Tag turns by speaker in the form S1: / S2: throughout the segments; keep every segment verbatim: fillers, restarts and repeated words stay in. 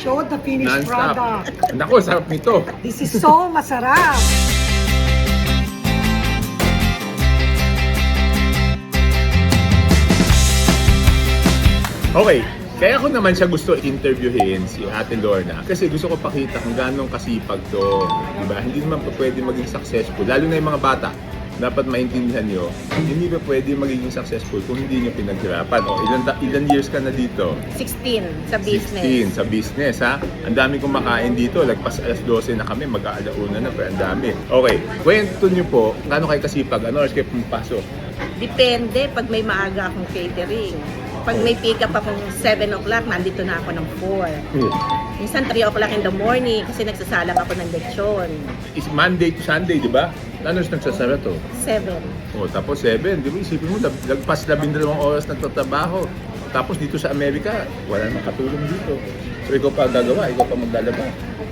S1: show the finished product.
S2: Non-stop. Naku, sarap nito.
S1: This is so masarap.
S2: Okay, kaya ko naman siya gusto interviewin si Ate Lorna kasi gusto ko pakita kung gano'ng kasipag to, di ba? Hindi naman pa pwede maging successful, lalo na yung mga bata. Dapat maintindihan nyo, hindi pa pwede magiging successful kung hindi nyo pinaghirapan. O, ilan, ilan years ka na dito?
S3: sixteen sa business.
S2: sixteen sa business, ha? Ang dami kong makain dito, lagpas alas dose na kami, mag-aalauna na, pero ang dami. Okay, kwento nyo po, gaano kayo kasipag, ano oras kayo pumapasok?
S3: Depende pag may maaga akong catering. Pag may pick up akong seven o'clock, nandito na ako ng four.
S2: Hmm.
S3: Minsan three o'clock in the morning kasi nagsasalang ako ng lechon.
S2: Is Monday to Sunday, di ba? Ano oras nagsasara to?
S3: seven.
S2: O, tapos seven, di ba? Isipin mo, lag- lagpas labindalawang oras nagtatrabaho. Tapos dito sa Amerika, wala nang katulong dito. So ikaw pa gagawa, ikaw pa maglalaba.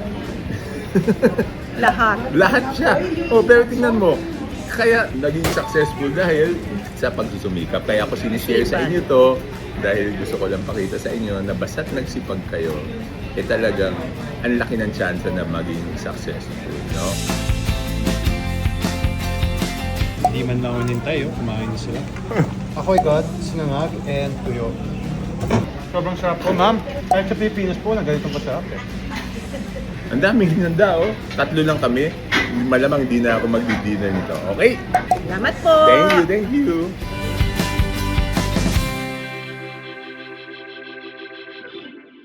S3: Lahat.
S2: Lahat siya. O, pero tingnan mo, kaya naging successful dahil sa pagsusumikap. Kaya ako sinishare sa inyo to dahil gusto ko lang pakita sa inyo na basta't nagsipag kayo, eh talagang ang laki ng chance na maging successful, no?
S4: Hindi man lang unintay, oh. Kumain na sila.
S5: Ako'y God, sinangag, and tuyo. Sobrang sarap po, ma'am. Kahit sa Pilipinas po, na ganitong kasarap eh.
S2: Ang daming hinanda, oh. Tatlo lang kami. Malamang hindi na ako magdi-dinner nito. Okay?
S3: Salamat po!
S2: Thank you, thank you.